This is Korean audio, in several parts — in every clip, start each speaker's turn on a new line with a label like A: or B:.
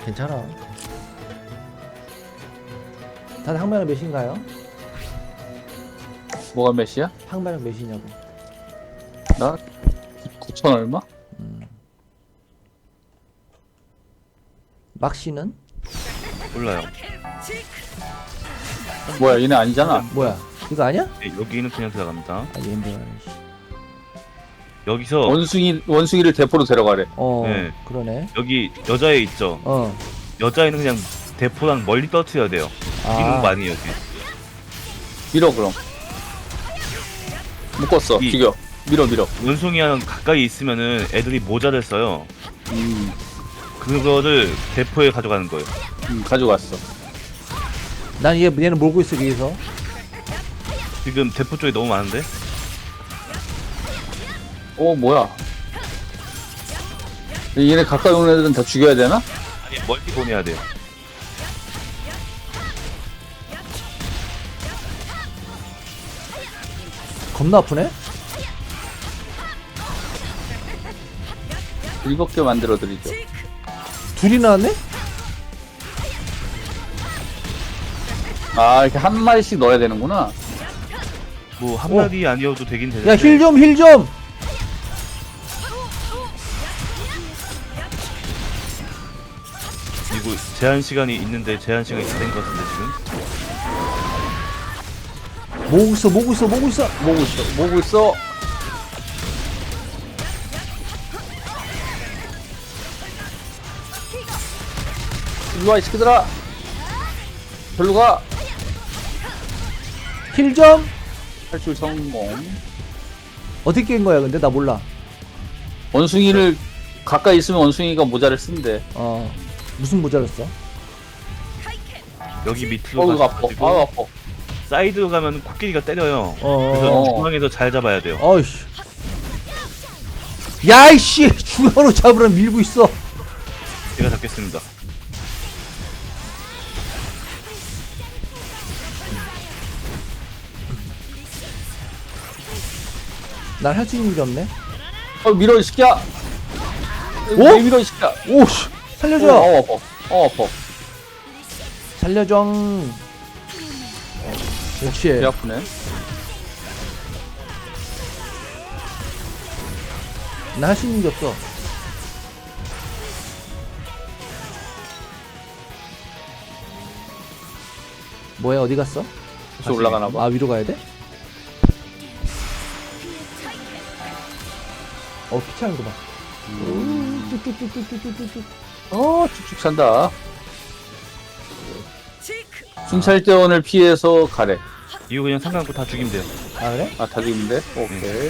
A: 괜찮아. 다들 항마력 몇인가요?
B: 뭐가 몇이야?
A: 항마력 몇이냐고.
B: 나 9천 얼마?
A: 막씨는?
C: 몰라요.
B: 뭐야 얘네 아니잖아.
A: 뭐야? 이거 아니야?
C: 네, 여기는 그냥 들어갑니다.
A: 아 얘인데.
C: 여기서
B: 원숭이를 대포로 데려가래.
C: 네.
A: 그러네.
C: 여기 여자애 있죠. 여자애는 그냥 대포랑 멀리 떨어뜨려야 돼요. 이기는 거 아니에요. 여기.
B: 밀어 그럼. 묶었어.
C: 이-
B: 죽여. 밀어.
C: 원숭이랑 가까이 있으면은 애들이 모자를 써요. 그거를 대포에 가져가는 거예요.
B: 가져갔어.
A: 난 얘는 몰고 있어 위에서.
C: 지금 대포 쪽에 너무 많은데?
B: 뭐야? 얘네 가까이 오는 애들은 다 죽여야 되나?
C: 아니 멀리 보내야 돼요.
A: 겁나 아프네?
B: 7개 만들어 드리죠.
A: 둘이 나왔네?
B: 이렇게 한 마리씩 넣어야 되는구나.
C: 뭐 한 마리 아니어도 되긴 되는데.
A: 야 힐 좀!
C: 그리고 제한 시간이 있는데 제한 시간이 다 된 것 같은데 지금.
A: 모으고 있어.
B: 모으고 있어. 일로와 이 새끼들아. 별로 가.
A: 힐 좀!
B: 탈출 성공.
A: 어떻게 깬 거야 근데? 나 몰라.
B: 원숭이를 가까이 있으면 원숭이가 모자를 쓴대.
A: 무슨 모자를 써?
C: 여기 밑으로
B: 이거 아파.
C: 가가지고
B: 아파.
C: 사이드로 가면 코끼리가 때려요.
A: 어.
C: 그래서 중앙에서 잘 잡아야 돼요.
A: 어이씨. 야이씨! 중앙으로 잡으라 밀고 있어.
C: 제가 잡겠습니다.
A: 난 할 수 있는 게 없네.
B: 밀어 이 새끼야.
A: 오?
B: 밀어 이 새끼야.
A: 오씨! 살려줘!
B: 아파.
A: 살려줘. 역시.
B: 배 아프네.
A: 나 할 수 있는 게 없어. 뭐야 어디 갔어?
B: 다시 올라가나 봐.
A: 위로 가야 돼? 귀찮은 거 봐. 뚝뚝뚝뚝뚝뚝뚝.
B: 쭉쭉 산다. 순찰대원을 피해서 가래.
C: 이거 그냥 상관없고 다 죽이면 돼요.
A: 아 그래?
B: 다 죽이는데? 오케이.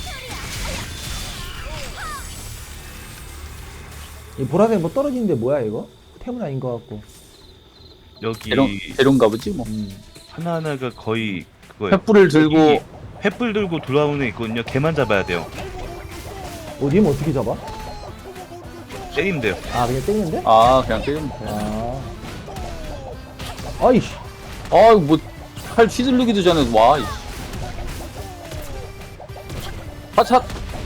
A: 이 보라색 뭐 떨어지는데 뭐야 이거? 템은 아닌 것 같고.
C: 여기
B: 대룡가 보지 뭐.
C: 하나하나가 거의 그거예요.
B: 횃불을 들고
C: 여기 횃불 들고 돌아오는 애 있거든요. 걔만 잡아야 돼요.
A: 님은 어떻게 잡아?
C: 때리면 돼요.
A: 그냥 때리는데?
B: 그냥 때리면 돼.
A: 아이씨.
B: 뭐 칼 휘둘르기도 전에 와. 하차.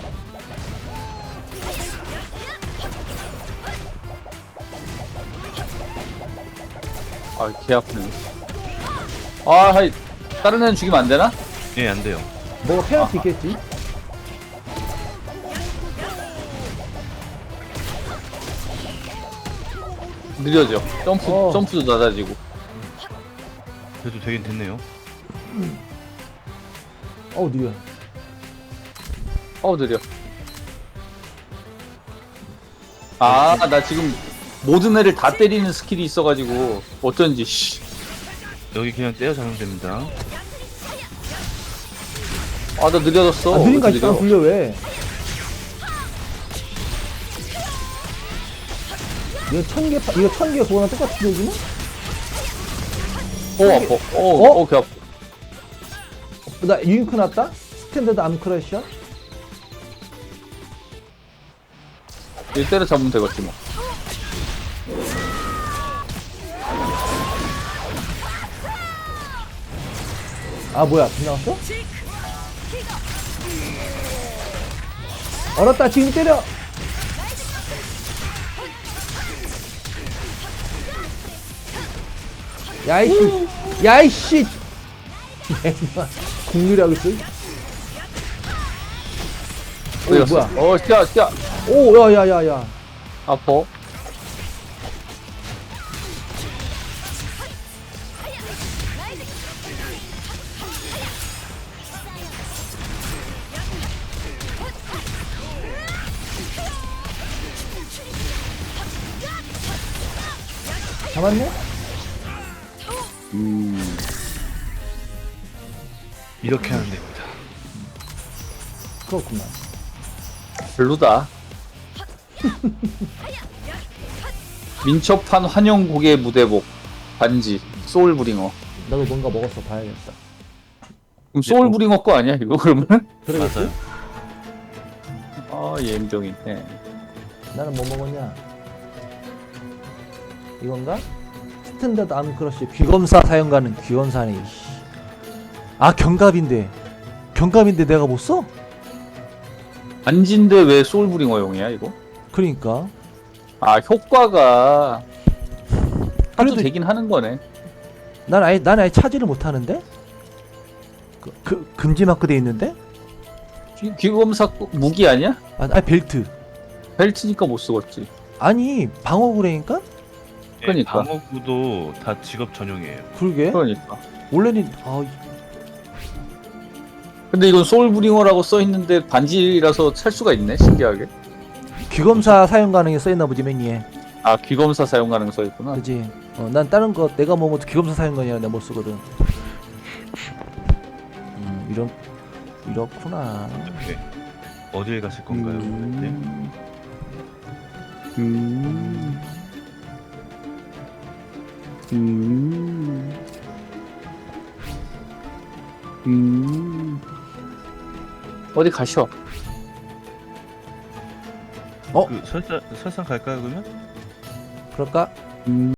B: 개 아프네. 하이. 다른 애는 죽이면 안 되나?
C: 예, 안 돼요.
A: 뭐가 페널티 있겠지?
B: 느려져. 점프도 낮아지고.
C: 그래도 되긴 됐네요.
A: 느려.
B: 느려. 나 지금 모든 애를 다 때리는 스킬이 있어가지고 어쩐지 씨.
C: 여기 그냥 때려잡으면 됩니다.
B: 나 느려졌어.
A: 느린 거
B: 왜
A: 아직도 안
B: 느려?
A: 불려 왜? 이거 1000개 그거랑 똑같은 얘기는?
B: 아파. 개 아파.
A: 나 유잉크 났다? 스탠다드 암 크러셔?
B: 얘 때려 잡으면 되겠지 뭐.
A: 뭐야 빗나갔어? 얼었다 지금 때려. 야이씨 야이씨 국률하고 있어. 오 뭐야?
B: 어, 야,
A: 오 야야야야.
B: 아파.
A: 잡았네?
C: 이렇게 하면 됩니다.
A: 그렇구만.
B: 별로다. 민첩한 환영국의 무대복 반지 소울브링어.
A: 나도 뭔가 먹었어 봐야겠다.
B: 그럼 소울브링어 거 아니야 이거 그러면?
A: 그러겠지?
C: 맞아요.
B: 아 예임병이네.
A: 나는 뭐 먹었냐? 이건가? 스탠다드 암크러쉬 귀검사 사용가는 귀검사네. 이씨. 아 경갑인데 내가 못 써?
B: 반지인데 왜 소울브링어용이야 이거?
A: 그러니까
B: 아 효과가 하도
A: 그래도-
B: 되긴 하는 거네.
A: 난 아예 차지를 못 하는데? 금지 마크 돼 있는데?
B: 귀검사 무기 아니야?
A: 아 벨트.
B: 벨트니까 못 쓰겠지.
A: 아니 방어구래니까?
B: 그러니까.
C: 방어구도 다 직업 전용이에요.
A: 그러게.
B: 그러니까.
A: 원래는
B: 근데 이건 소울브링어라고 써 있는데 반지라서 찰 수가 있네. 신기하게.
A: 귀검사 사용 가능에 써있나 보지 맨위에.
B: 아 귀검사 사용 가능 써 있구나.
A: 그지? 난 다른 거 내가 뭐 귀검사 사용 가능이라 내가 못 쓰거든. 이렇구나.
C: 네. 어딜 갔을 건가요? 네.
B: 어디 가셔?
C: 그 설상 갈까요 그러면?
A: 그럴까?